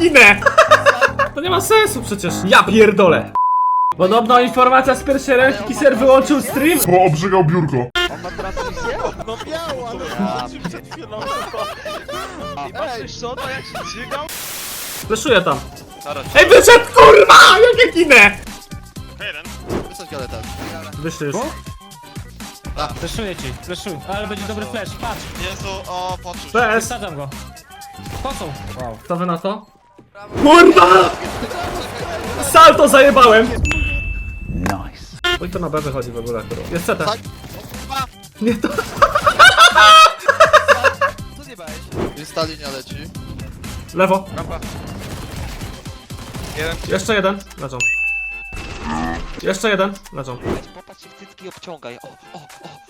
ginę! To nie ma sensu przecież. Ja pierdolę. Podobno informacja z pierwszej ręki, Kiser wyłączył stream. Bo obrzygał biurko. On ma transmisję? No miał, ale przed chwilą. I patrzysz co, to jak się dźygał? Fleszuję tam. Ej, wyszedł, kurwa! Jak ja ginę! Wysać galetę. Wyszli już. Fleszuję ci, fleszuj. Ale będzie dobry flash, patrz. Jezu, o, poczuł. PS. Wsadzam go. Kosą. Wow. Co wy na to? Kurwa! Salto zajebałem! Nice. Oj, to na B wychodzi w ogóle. Jest CT. Tak. Nie to. Co zjebałeś? Jest ta linia leci. Lewo. Rampa. Jeszcze jeden. Leżą. Jeszcze jeden. Leżą. Popatrz się w cycki i obciągaj. O.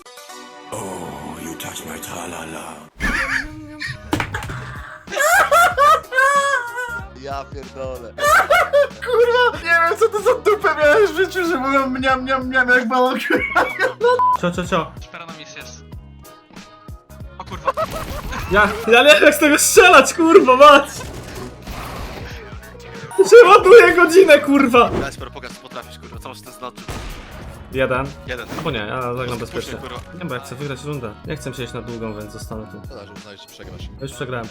Ja pierdolę. Kurwa, nie wiem co to za dupę miałeś w życiu, że mówią mniam jak balon. Cio. Szpera na mis jest. O kurwa. Ja nie wiem jak z tego strzelać, kurwa, mać! Przeładuję godzinę, kurwa! Ja sporo pokaż co potrafisz, kurwa, co masz ten znaczy? Jeden. Jeden. Albo nie, ja zagram bezpiecznie. kurwa. Nie, bo ja chcę wygrać rundę. Nie chcę siedzieć na długą, więc zostanę tu. Szkoda, że uznajesz, że przegrasz. Ja już przegrałem.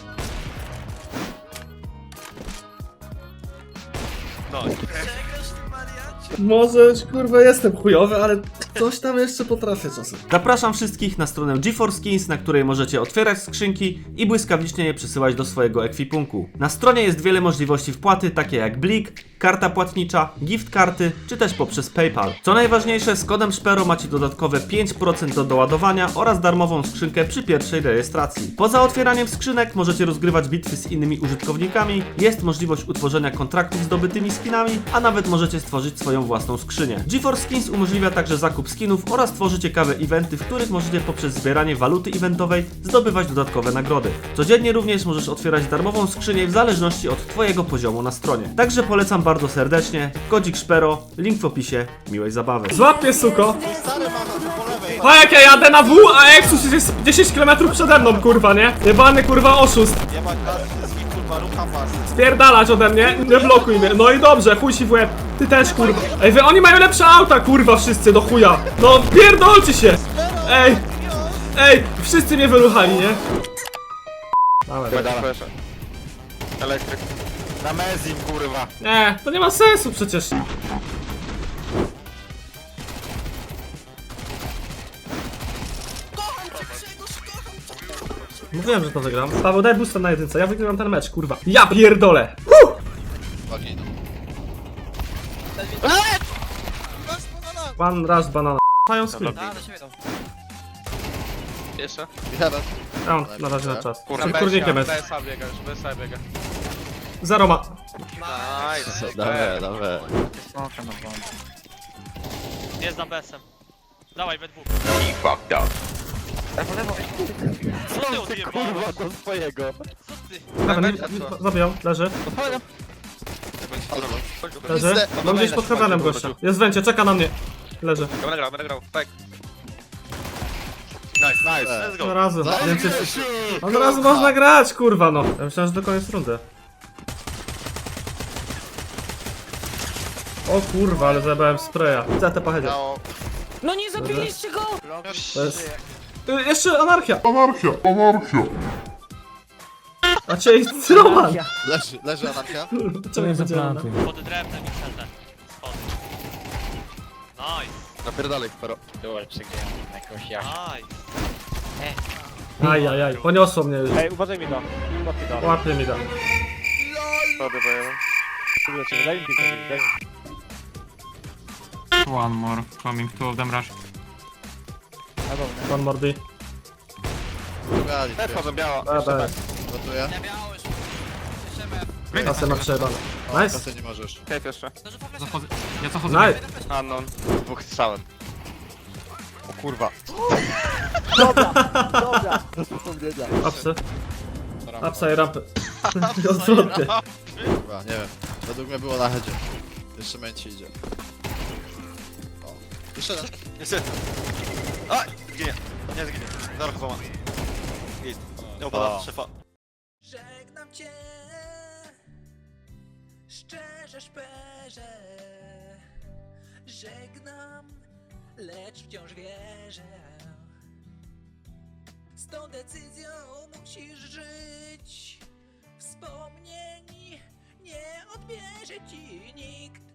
No. Może, kurwa, jestem chujowy, ale coś tam jeszcze potrafię czasem. Zapraszam wszystkich na stronę GeForce Skins, na której możecie otwierać skrzynki i błyskawicznie je przesyłać do swojego ekwipunku. Na stronie jest wiele możliwości wpłaty, takie jak Blik, karta płatnicza, gift karty, czy też poprzez PayPal. Co najważniejsze, z kodem Szpero macie dodatkowe 5% do doładowania oraz darmową skrzynkę przy pierwszej rejestracji. Poza otwieraniem skrzynek możecie rozgrywać bitwy z innymi użytkownikami, jest możliwość utworzenia kontraktów z zdobytymi skinami, a nawet możecie stworzyć swoją własną skrzynię. GeForce Skins umożliwia także zakup skinów oraz tworzy ciekawe eventy, w których możecie poprzez zbieranie waluty eventowej zdobywać dodatkowe nagrody. Codziennie również możesz otwierać darmową skrzynię w zależności od twojego poziomu na stronie. Także polecam bardzo serdecznie. Kodzik Szpero, link w opisie. Miłej zabawy. Złap mnie, suko! A jak ja jadę na W, a Exus jest 10 km przede mną, kurwa, nie? Jebany, kurwa, oszust. Nie ma karty, kurwa, rucha pas. Spierdalać ode mnie, nie blokuj mnie. No i dobrze, chuj ci w łeb. Ty też, kurwa. Ej, wy oni mają lepsze auta, kurwa, wszyscy, do chuja. No, pierdolcie się. Ej, wszyscy mnie wyruchali, nie? Dawaj. Elektryk. Na mezim, kurwa. Nie, to nie ma sensu przecież. Mówiłem, że to wygram. Paweł, daj boosta na jedynce, ja wygrywam ten mecz, kurwa. Ja pierdolę! Uwagi. One rush banana. Mają screen. Jeszcze? Jeden. Round na razie na czas. Kurwa, Przed kurnikiem jest. BSA biega, już BSA biega. Zero ma. Nice. Dawaj. Jest za BS-em. Dawaj, we dwóch. Co ty odjebałeś? Do swojego. Dawaj, zabijał, leży. Leży. Mam gdzieś pod heavenem gościa. Jest w węcie, czeka na mnie. Leży. Będę grał. Tak. Nice. Let's Od go. razu, więcej... Od razu można grać, kurwa, no. Ja myślałem, że do koniec rundy. O kurwa, ale zajebałem spraya. CT pochedzie. No nie zabiliście go! To jest... Jeszcze anarchia. A cię jest Roman. Leży anarchia. Czemu nie będzie Pod drewnem i celne. Spod. Nice. Napierdalaj, Spero. Nice. Ajajaj, poniosło mnie już. Ej, uważaj mi go. Łapie mi da. Daj mi daj mi. One more coming, two of them rush. One more B. Wchodzą biała. Dobra, Gotuję. kasę ma przejebane. Nice. Kasy nie możesz. Cave jeszcze. Zachodzę. Ja zachodzę. Nice. Unknown. Dwóch strzałem. O kurwa. Apsy. Apsa i rampy. Odwrotnie. Kurwa, nie wiem. Według mnie było na headzie. Jeszcze męci idzie. O. Jeszcze jeden. Jeszcze. A! Zginie. Nie zginie. Zaraz chyba ma. Git. Nie upada, szefa. Żegnam cię, Szczerze szperze, żegnam, lecz wciąż wierzę. Z tą decyzją musisz żyć. Wspomnień nie odbierze ci nikt.